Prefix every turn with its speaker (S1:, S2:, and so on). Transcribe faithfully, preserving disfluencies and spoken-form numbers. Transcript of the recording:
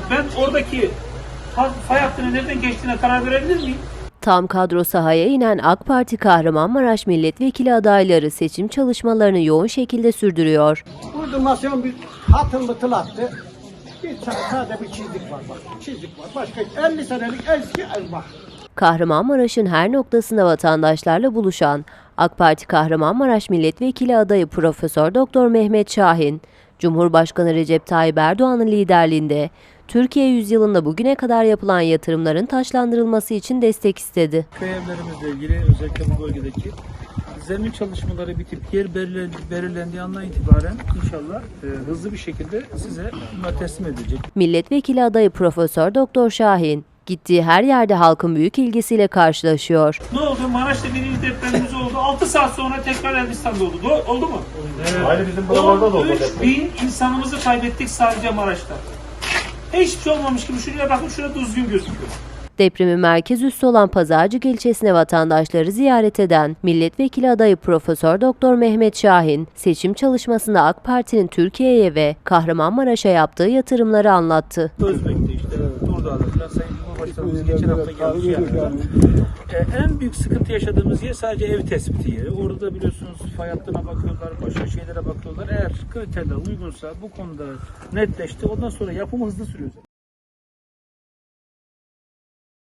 S1: Ben oradaki fay hattının nereden geçtiğine karar verebilir miyim?
S2: Tam kadro sahaya inen AK Parti Kahramanmaraş milletvekili adayları seçim çalışmalarını yoğun şekilde sürdürüyor.
S3: Burada masyon bir hatın bıtıl attı. Bir sadece bir çizik var bak. Çizik var. Başka elli senelik eski ev bak.
S2: Kahramanmaraş'ın her noktasında vatandaşlarla buluşan AK Parti Kahramanmaraş milletvekili adayı Profesör Doktor Mehmet Şahin, Cumhurbaşkanı Recep Tayyip Erdoğan'ın liderliğinde Türkiye yüzyılında bugüne kadar yapılan yatırımların taşlandırılması için destek istedi.
S1: Köy evlerimizle ilgili özellikle bu bölgedeki zemin çalışmaları bitip yer belirlendiği andan itibaren inşallah e, hızlı bir şekilde size bunlar teslim edilecek.
S2: Milletvekili adayı Profesör Doktor Şahin, gittiği her yerde halkın büyük ilgisiyle karşılaşıyor.
S1: Ne oldu? Maraş'ta birinci depremimiz oldu. altı saat sonra tekrar Elbistan'da oldu. Do oldu mu?
S4: Evet. Aynı bizim buralarda da oldu.
S1: on üç bin insanımızı kaybettik sadece Maraş'ta. Hiçbir şey olmamış gibi şuraya bakın, şurada düzgün gözüküyor.
S2: Depremin merkez üssü olan Pazarcık ilçesine vatandaşları ziyaret eden milletvekili adayı Profesör Doktor Mehmet Şahin, seçim çalışmasında AK Parti'nin Türkiye'ye ve Kahramanmaraş'a yaptığı yatırımları anlattı.
S1: Özbek'te işte Durdağ'da falan Sayın Cumhurbaşkanımız geçen hafta gelmiş yanımıza. Ee, en büyük sıkıntı yaşadığımız yer sadece ev tespiti yeri. Orada da biliyorsunuz fay hattına bakıyorlar, başka şeylere bakıyorlar. Eğer kriterler uygunsa bu konuda netleşti. Ondan sonra yapımı hızlı sürüyor.